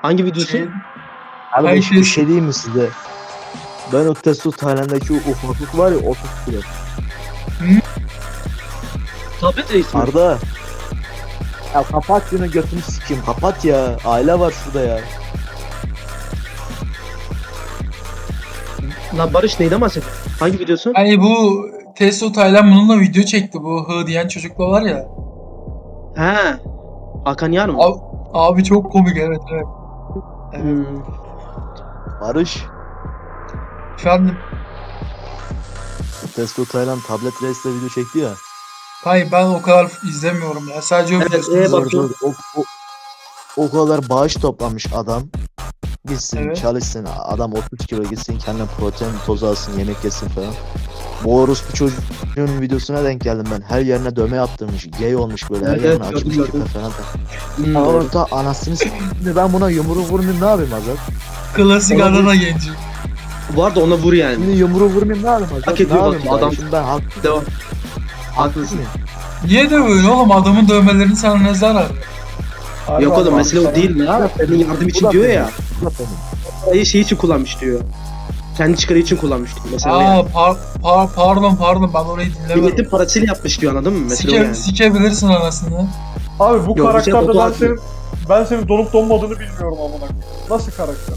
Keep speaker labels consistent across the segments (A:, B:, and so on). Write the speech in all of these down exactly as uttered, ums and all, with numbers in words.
A: Hangi videosu?
B: Şey,
C: Abi
B: Her
C: bir
B: şey-
C: şey diyeyim mi size? Ben o Testo Tayland'daki o ufaklık var ya otuz kilo.
A: Tablet reis mi?
C: Arda. Ya kapat şunu götünü sikeyim kapat ya. Aile var şurada ya.
A: Lan Barış neyden bahsediyor? Hangi videosu?
B: Hani bu Testo Taylan bununla video çekti. Bu hı diyen çocukla var ya.
A: He. Hakan Yar mı?
B: Abi, abi çok komik, evet evet. Evet.
A: Hmm.
C: Barış.
B: Efendim.
C: Testo Tayland tablet reisle video çekti ya.
B: Hayır, ben o kadar izlemiyorum ya. Sadece o
A: Evet,
B: videosunu
A: e,
B: izliyorum.
A: bak-
C: Dur, dur, o, o, o kadar bağış toplamış adam. Gitsin
B: Evet.
C: çalışsın adam otuz kilo gitsin kendine protein tozu alsın yemek yesin falan. Bu orospu çocuğun videosuna denk geldim ben. Her yerine dövme yaptırmış. Gay olmuş böyle. Her
A: Evet,
C: yerine
A: evet,
C: açmış
A: gördüm,
C: küpe
A: gördüm.
C: falan.
A: Hmm.
C: Orada anasını s***. Ben buna yumruğu vurmayayım ne yapayım Azat?
B: Klasik
A: Olabilir.
B: Adana genci.
A: Var da ona vur yani.
C: Şimdi yumruğu vurmayayım ne yapayım Azat?
A: Hak ediyor
C: ne
A: bak,
C: yapayım
A: adam-
C: adam. Şimdi ben haklı
A: Devam. Haklısın.
C: mıyım?
B: Niye de böyle oğlum? Adamın dövmelerinin sana ne zararı?
A: Yok oğlum mesele o değil ya. Senin yardım için
C: Bu da
A: diyor
C: benim.
A: ya.
C: Bu da benim.
A: Parayı şey için kullanmış diyor. Kendi çıkarı için kullanmış diyor. Mesela
B: Aa
A: yani.
B: par, par, pardon pardon ben orayı dinlemedim.
A: Milletin parasıyla yapmış diyor anladın mı? Mesela o
B: Sike,
A: yani.
B: sikebilirsin anasını.
D: Abi bu
A: Yok, bir şey
D: karakterde ben
A: fotoğraf
D: senin ben senin donup donmadığını bilmiyorum amına koyayım. Nasıl karakter?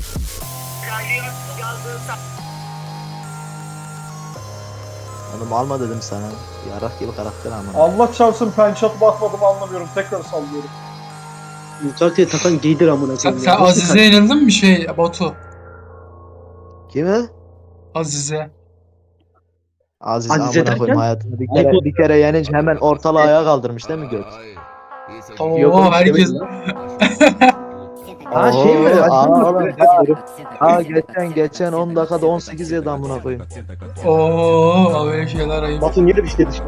C: Oğlum alma dedim sana. Yarak gibi karakter ama.
D: Allah çarpsın pençat bakmadım anlamıyorum. Tekrar sallıyorum.
A: Mutlak diye takan giydir amına
B: Sen,
A: koyayım
B: sen
A: ya. Nasıl
B: Azize yenildin mi şey Batu?
C: Kime?
B: Azize.
C: Aziz
A: Azize
C: amına
A: derken?
C: koyayım hayatında bir
A: Ayıp
C: kere
A: oldu.
C: bir kere yenince hemen ortalığı ayağa kaldırmış değil mi göt?
B: Oo
A: Yok oğlum,
B: herkes...
A: demedim Ha şey mi?
C: Oo,
A: Azize
C: aa,
A: mi?
C: oğlum,
A: Evet,
C: ha,
A: doğru.
C: ha geçen geçen on dakikada on sekiz yedi amına koyayım.
B: Oo böyle şeyler ayıp.
A: Batu niye de bir şey düştü?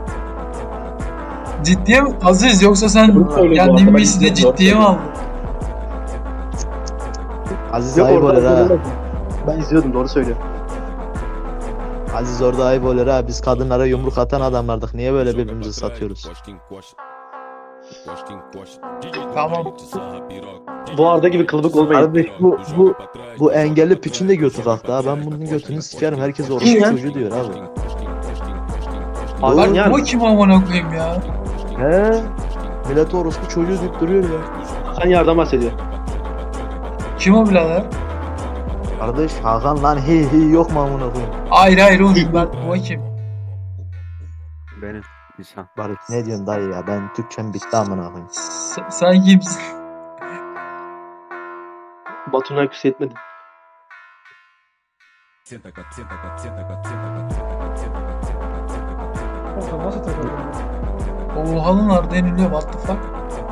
B: Ciddiye mi? Aziz yoksa sen
A: Doğru söylüyor bu
B: kendin
A: arada, ben
B: miysi de
A: izliyorum,
B: ciddiye mi
A: doğru
B: aldın?
C: Aziz
A: Yok
C: ayıp olur
A: orada
C: ha.
A: izliyordum. Ben izliyordum doğru söylüyor.
C: Aziz orada ayıp olur ha. Biz kadınlara yumruk atan adamlardık. Niye böyle birbirimizi satıyoruz?
B: Tamam.
A: Bu arada gibi kılıbık olmayın.
C: Kardeş bu bu bu engelli piçin de götü kalktı ha. Ben bunun götünü sikerim. Herkes orospu
A: Kim ya?
C: çocuğu diyor abi.
A: Hakan
C: Doğru.
A: Yar
B: Bu
A: mı?
B: kim amına koyayım ya?
C: He? Millet orospu çocuğu deyip duruyor ya.
A: Hakan Yar'dan bahsediyor.
B: Kim o birader?
C: Kardeş Hakan lan hi hi yok mu amına koyayım?
B: Hayır hayır oğlum ben bu kim?
E: Benim insan.
C: Barış ne diyorsun dayı ya? Ben Türkçem bitti amına koyayım.
B: S- sen kimsin?
A: Batu'na küs etmedi.
D: Kanka nasıl takıldın?
B: Oha lan Arda yeniliyor, what the fuck?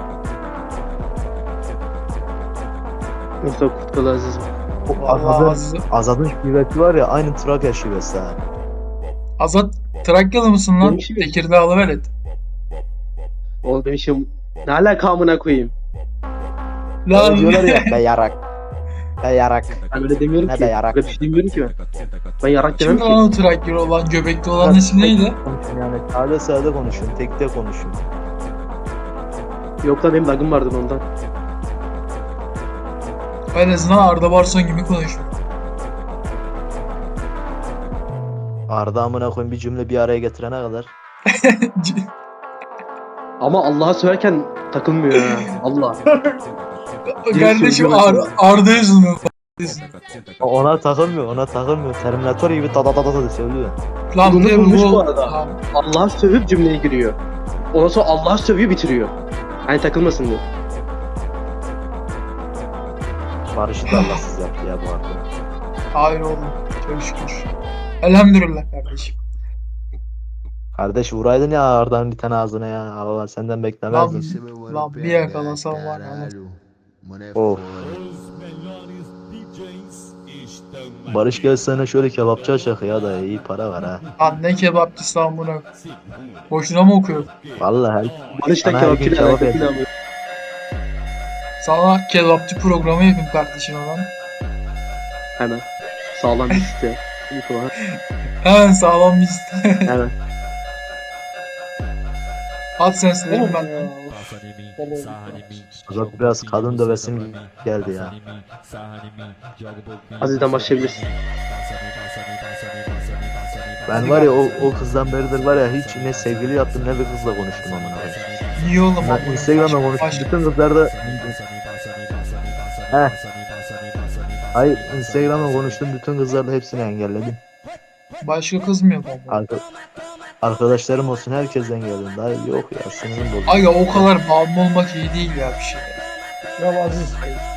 A: Yoksa Kurtkalı Aziz mi?
C: O
B: Vallahi
C: Azad'ın,
B: Aziz.
C: Azad'ın şivesi var ya aynı Trakya şivesi ha.
B: Azat Trakyalı mısın lan?
A: Benim şey-
B: Tekirdağlı velet.
A: Oğlum demişim ne alaka amına koyayım.
C: Öyle
B: Lan
C: diyorlar ya be yarak. Be yarak.
A: Ben öyle demiyorum
C: Ne
A: ki.
C: be yarak.
A: Öyle bir şey demiyorum ki ben. Ben yarak demem
B: kim
A: ki.
B: lan o Trakyalı olan, göbekli olan ismi neydi?
C: Konuşun yani sade sade konuşun. Tekte konuşun.
A: Yok lan benim lagım vardı ondan.
B: En azından Arda Barson gibi konuşuyor.
C: Arda amına koyayım bir cümle bir araya getirene kadar.
A: Ama Allah'a söylerken takılmıyor ha. Allah.
B: Kardeşim Ar Arda yüzünden.
C: O- Ona takılmıyor, ona takılmıyor. Terminator gibi ta ta ta ta ta söylüyor.
B: Lan
A: Bunu
B: bir de
A: bulmuş
B: bu...
A: bu arada.
B: Lan,
A: Allah'a sövüp cümleye giriyor. Ondan sonra Allah'a sövüyor bitiriyor. Hani takılmasın diyor.
C: Barış'ı da Allahsız yaptı ya bu arada.
B: hayır oğlum. Çok şükür. Elhamdülillah kardeşim.
C: Kardeş vuraydın ya Arda'nın bir tane ağzına ya. Allah senden beklemezdim.
B: Lan bir yakalasam var ya.
C: Of. Barış gel sana şöyle kebapçı açak ya da iyi para var ha.
B: Lan ne kebapçısı lan buna. Boşuna mı okuyor?
C: Vallahi her,
A: Barış da
C: Sana her gün
A: kebapçıyla
C: kebap
A: alakasıyla
C: yedim.
A: alıyor.
B: Sana kebapçı programı yapayım kardeşim lan.
A: Hemen. Sağlam bir site. İyi falan.
B: Hemen sağlam bir liste.
A: Hemen.
B: At senslerim
D: Oğlum
B: ben.
D: ya.
C: Azat biraz kadın dövesim geldi ya.
A: Aziz'den başlayabilirsin.
C: Ben var ya o, o kızdan beridir var ya hiç ne sevgili yaptım ne bir kızla konuştum amına koyayım.
B: Niye oğlum?
C: Ben Instagram'da konuştum
B: Baş-
C: bütün kızlarda Heh. Hayır Instagram'da konuştum bütün kızlarla hepsini engelledim.
B: Başka kız mı yok ama?
C: Arka, arkadaşlarım olsun herkesten engelledim. Daha yok ya sinirim bozuldu.
B: Aga o kadar bağımlı olmak iyi değil ya bir şey.
D: Ya Aziz.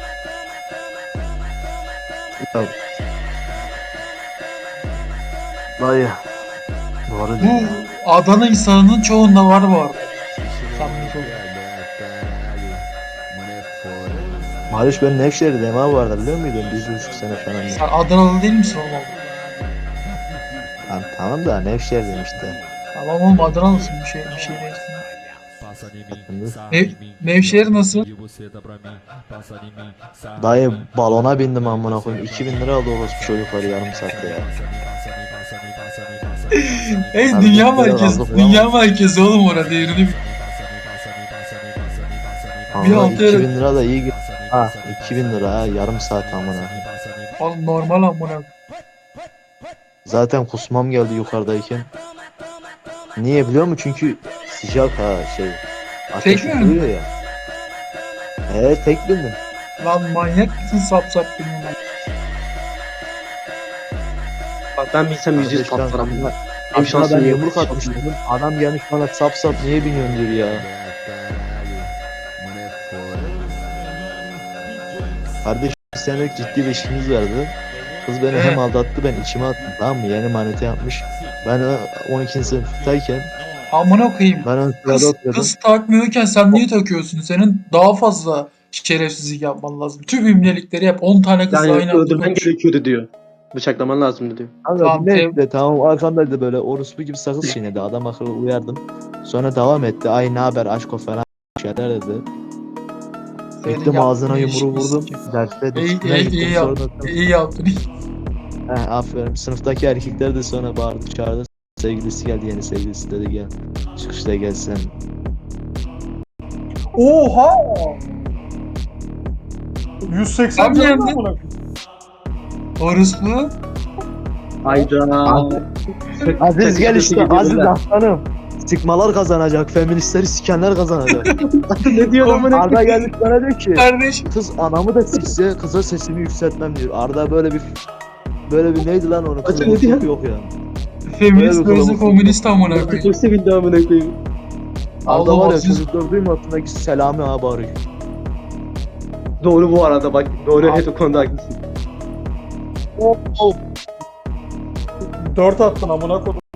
C: Dayı. Doğru
B: Bu
C: diyorsun.
B: Adana insanının çoğunda var bu arada. Samimi çok.
C: Mariş ben Nevşehir'deyim abi bu arada biliyor muydun? Bir buçuk sene falan.
B: Sen Adanalı değil misin oğlum?
C: Tamam, tamam da Nevşehir'deyim işte.
B: Tamam oğlum Adanalısın bir şey bir şey değilsin. Nev, Nevşehir nasıl?
C: Dayı balona bindim amına koyayım. iki bin lira aldı orospu çocukları yarım saatte ya.
B: Hey
C: Abi,
B: dünya
C: bir kere
B: merkezi,
C: aldık
B: dünya
C: ama.
B: merkezi oğlum orada yerini bil. Bir
C: Ama
B: hafta
C: iki
B: yarım-
C: bin lira da iyi. Ha iki bin lira ha yarım saat amına.
B: Oğlum normal amına.
C: Zaten kusmam geldi yukarıdayken. Niye biliyor musun? Çünkü sıcak ha şey. Ateş
B: Tek mi
C: vuruyor ya. Evet tek bindim.
B: Lan manyak mısın sap sap bilmem.
A: Bak ben bilsem yüz yüz
C: Kardeş, ben-
A: patlarım. Benim
C: Aslında
A: şansım
C: ben
A: yok.
C: yumruk atmıştım. Adam gelmiş bana sap sap niye biniyorsun diyor ya. Kardeş bir senelik ciddi bir ilişkimiz vardı. Kız beni hem aldattı ben içime attım tamam mı? Yeni manita yapmış. Ben e, on ikinci sınıftayken
B: Amına koyayım.
C: ben ön sırada
B: Kız,
C: oturuyordum.
B: kız takmıyorken sen niye takıyorsun? Senin daha fazla şerefsizlik yapman lazım. Tüm imlelikleri yap. on tane kızla
A: Yani
B: aynı anda
A: öldürmen
B: konuş.
A: gerekiyordu diyor. Bıçaklaman lazımdı diyor.
C: Kanka
B: Tamam,
C: neyse
B: tev-
C: tamam arkamdaydı böyle orospu gibi sakız çiğnedi adam akıllı uyardım. Sonra devam etti ay ne haber aşko falan şeyler dedi.
B: Senin
C: Gittim
B: yaptığın
C: ağzına yumruğu
B: ilişkisi
C: vurdum.
B: kim?
C: Derste
B: İyi,
C: disipline
B: iyi,
C: gittim
B: iyi
C: sonra.
B: yaptın. İyi yaptın.
C: Heh, aferin. Sınıftaki erkekler de sonra bağırdı çağırdı. Sevgilisi geldi yeni sevgilisi dedi gel. Çıkışta gelsin.
D: Oha! yüz seksen
B: Sen mi
D: canlı
B: yendin?
D: amına.
B: Orospu.
A: Hayda.
C: Aziz gel işte
A: Gidiyorlar.
C: Aziz aslanım. Sıkmalar kazanacak. Feministleri sikenler kazanacak.
A: Ne diyor amına?
C: Arda gelmiş bana diyor ki
B: Kardeş.
C: kız anamı da sikse kıza sesimi yükseltmem diyor. Arda böyle bir böyle bir neydi lan onun
A: Acı ne
C: kılığı
A: diyor?
C: yok ya.
B: Feminist
C: Böyle bir
B: gözü
C: kalabalık.
B: komünist amına
A: Artık
B: koyayım.
A: çok sevindim amına koyayım.
C: Arda
B: Allah
C: var ya
B: Aziz.
C: çocuklar duymasındaki Selami abi arıyor.
A: Doğru bu arada bak. Doğru evet o konuda haklısın.
C: Oh, oh.
D: dört attın amına koydum.